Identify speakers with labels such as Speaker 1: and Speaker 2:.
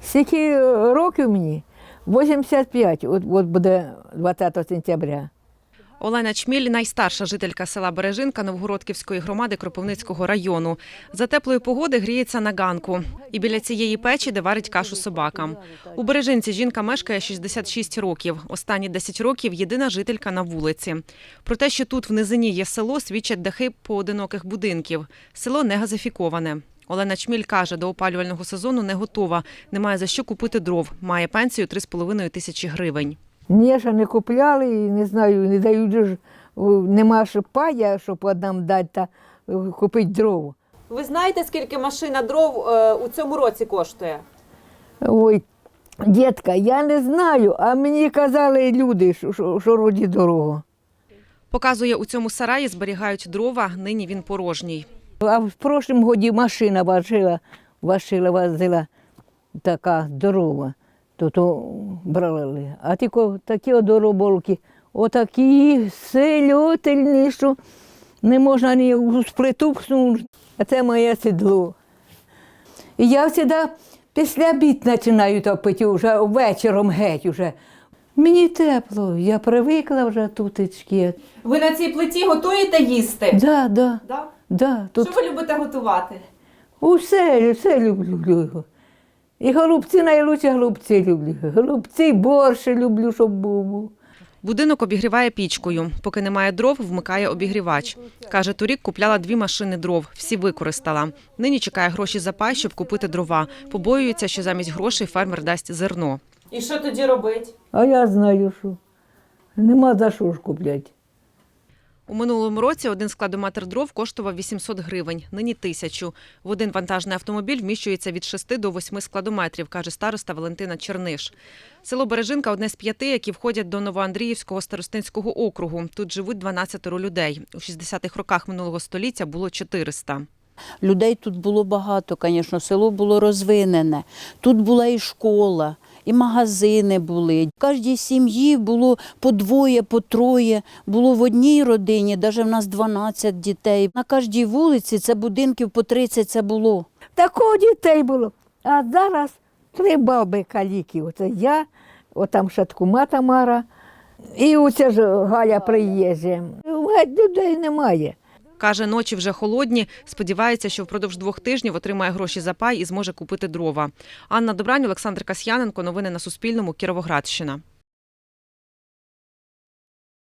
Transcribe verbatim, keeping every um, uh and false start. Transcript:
Speaker 1: Скільки років мені? вісімдесят п'ять, от, от буде двадцятого сентября.
Speaker 2: Олена Чміль – найстарша жителька села Бережинка Новгородківської громади Кропивницького району. За теплої погоди гріється на ганку. І біля цієї печі, де варить кашу собакам. У Бережинці жінка мешкає шістдесят шість років. Останні десять років – єдина жителька на вулиці. Про те, що тут в низині є село, свідчать дахи поодиноких будинків. Село не газифіковане. Олена Чміль каже, до опалювального сезону не готова. Немає за що купити дров. Має пенсію три з половиною тисячі гривень.
Speaker 1: Ні, ще не купляли, і не знаю, не дають ж, нема ж пая, щоб однам дати та купити дров.
Speaker 3: Ви знаєте, скільки машина дров е, у цьому році коштує?
Speaker 1: Ой, дітка, я не знаю, а мені казали люди, що, що, що роді дорого.
Speaker 2: Показує, у цьому сараї зберігають дрова, нині він порожній.
Speaker 1: А в прошлому годі машина важила, важила, возила така здорова, то то брали. А тільки такі одороболки, отакі сильотельні, що не можна ні з плиту пхнути. А це моє сідло. І я завжди після обід починаю топити, вже вечором геть уже. Мені тепло, я привикла вже тутечки.
Speaker 3: Ви на цій плиті готуєте їсти?
Speaker 1: Да, да,
Speaker 3: Да?
Speaker 1: да, тут
Speaker 3: Що ви любите готувати?
Speaker 1: усе, все люблю. І голубці, найкраще голубці люблю. Голубці, борщ люблю, щоб був.
Speaker 2: Будинок обігріває пічкою. Поки немає дров, вмикає обігрівач. Каже, торік купляла дві машини дров, всі використала. Нині чекає гроші за пай, щоб купити дрова. Побоюється, що замість грошей фермер дасть зерно.
Speaker 3: І що тоді робить?
Speaker 1: А я знаю, що нема за що ж купляти.
Speaker 2: У минулому році один складометр дров коштував вісімсот гривень, нині – тисячу. В один вантажний автомобіль вміщується від шести до восьми складометрів, каже староста Валентина Черниш. Село Бережинка – одне з п'яти, які входять до Новоандріївського старостинського округу. Тут живуть дванадцятеро людей. У шістдесятих роках минулого століття було чотириста.
Speaker 4: Людей тут було багато, звісно, село було розвинене. Тут була і школа, і магазини були. В кожній сім'ї було по двоє, по троє. Було в одній родині, навіть в нас дванадцять дітей. На кожній вулиці це будинків по тридцять це було.
Speaker 1: Такого дітей було. А зараз три баби каліки. Оце я, отам шаткума Тамара, і оце ж Галя приїжджає. Геть людей немає.
Speaker 2: Каже, ночі вже холодні. Сподівається, що впродовж двох тижнів отримає гроші за пай і зможе купити дрова. Анна Добрань, Олександр Касьяненко. Новини на Суспільному. Кіровоградщина.